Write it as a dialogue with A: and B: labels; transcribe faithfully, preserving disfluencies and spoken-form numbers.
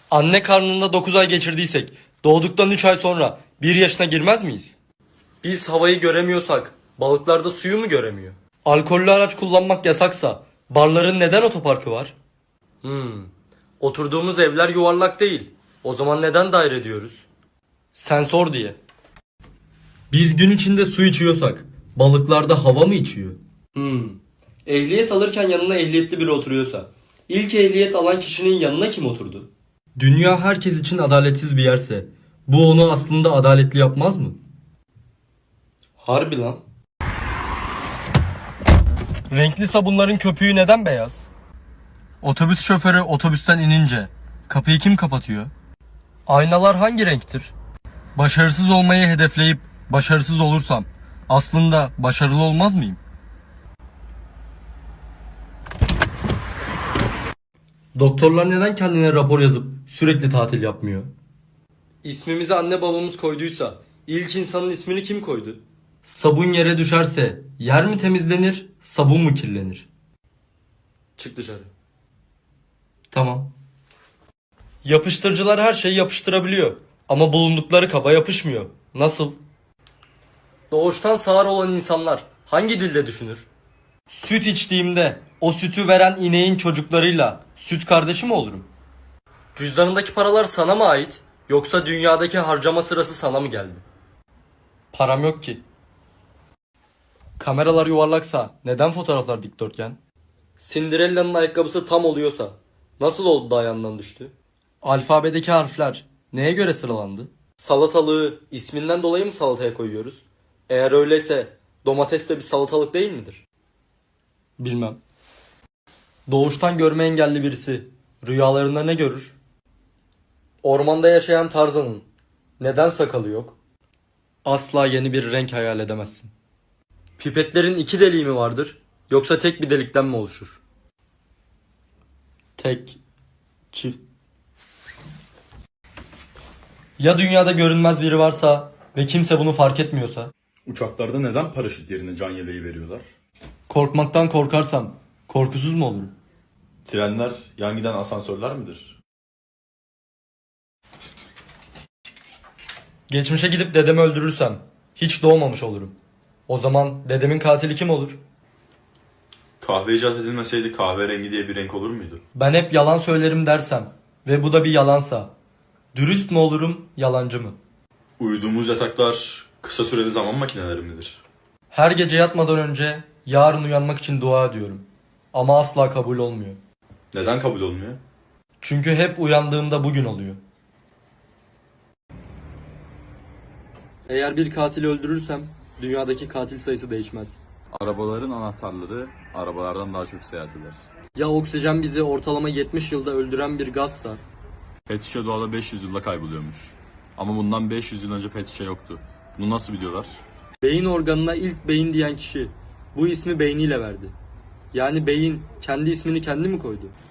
A: Anne karnında dokuz ay geçirdiysek doğduktan üç ay sonra bir yaşına girmez miyiz? Biz havayı göremiyorsak balıklar da suyu mu göremiyor? Alkollü araç kullanmak yasaksa barların neden otoparkı var? Hmm. Oturduğumuz evler yuvarlak değil. O zaman neden daire diyoruz? Sensör diye. Biz gün içinde su içiyorsak balıklar da hava mı içiyor? Hmm. Ehliyet alırken yanına ehliyetli biri oturuyorsa ilk ehliyet alan kişinin yanına kim oturdu? Dünya herkes için adaletsiz bir yerse bu onu aslında adaletli yapmaz mı? Harbi lan. Renkli sabunların köpüğü neden beyaz? Otobüs şoförü otobüsten inince kapıyı kim kapatıyor? Aynalar hangi renktir? Başarısız olmayı hedefleyip başarısız olursam aslında başarılı olmaz mıyım? Doktorlar neden kendine rapor yazıp sürekli tatil yapmıyor? İsmimizi anne babamız koyduysa ilk insanın ismini kim koydu? Sabun yere düşerse yer mi temizlenir, sabun mu kirlenir? Çık dışarı. Tamam. Yapıştırıcılar her şeyi yapıştırabiliyor ama bulundukları kaba yapışmıyor. Nasıl? Doğuştan sağır olan insanlar hangi dilde düşünür? Süt içtiğimde o sütü veren ineğin çocuklarıyla süt kardeşi mi olurum? Cüzdanındaki paralar sana mı ait yoksa dünyadaki harcama sırası sana mı geldi? Param yok ki. Kameralar yuvarlaksa neden fotoğraflar dikdörtgen? Cinderella'nın ayakkabısı tam oluyorsa nasıl oldu da ayağından düştü? Alfabedeki harfler neye göre sıralandı? Salatalığı isminden dolayı mı salataya koyuyoruz? Eğer öyleyse domates de bir salatalık değil midir? Bilmem. Doğuştan görme engelli birisi rüyalarında ne görür? Ormanda yaşayan Tarzan'ın neden sakalı yok? Asla yeni bir renk hayal edemezsin. Pipetlerin iki deliği mi vardır yoksa tek bir delikten mi oluşur? Tek, çift. Ya dünyada görünmez biri varsa ve kimse bunu fark etmiyorsa?
B: Uçaklarda neden paraşüt yerine can yeleği veriyorlar?
A: Korkmaktan korkarsam korkusuz mu olurum?
B: Trenler yan giden asansörler midir?
A: Geçmişe gidip dedemi öldürürsem hiç doğmamış olurum. O zaman dedemin katili kim olur?
B: Kahve icat edilmeseydi kahverengi diye bir renk olur muydu?
A: Ben hep yalan söylerim dersem ve bu da bir yalansa dürüst mü olurum, yalancı mı?
B: Uyuduğumuz yataklar kısa süreli zaman makineleri midir?
A: Her gece yatmadan önce yarın uyanmak için dua ediyorum. Ama asla kabul olmuyor.
B: Neden kabul olmuyor?
A: Çünkü hep uyandığımda bugün oluyor. Eğer bir katili öldürürsem dünyadaki katil sayısı değişmez.
C: Arabaların anahtarları arabalardan daha çok seyahat eder.
A: Ya oksijen bizi ortalama yetmiş yılda öldüren bir gazsa?
C: Pet şişe doğada beş yüz yılda kayboluyormuş. Ama bundan beş yüz yıl önce pet şişe yoktu. Bunu nasıl biliyorlar?
A: Beyin organına ilk beyin diyen kişi bu ismi beyniyle verdi. Yani beyin kendi ismini kendi mi koydu?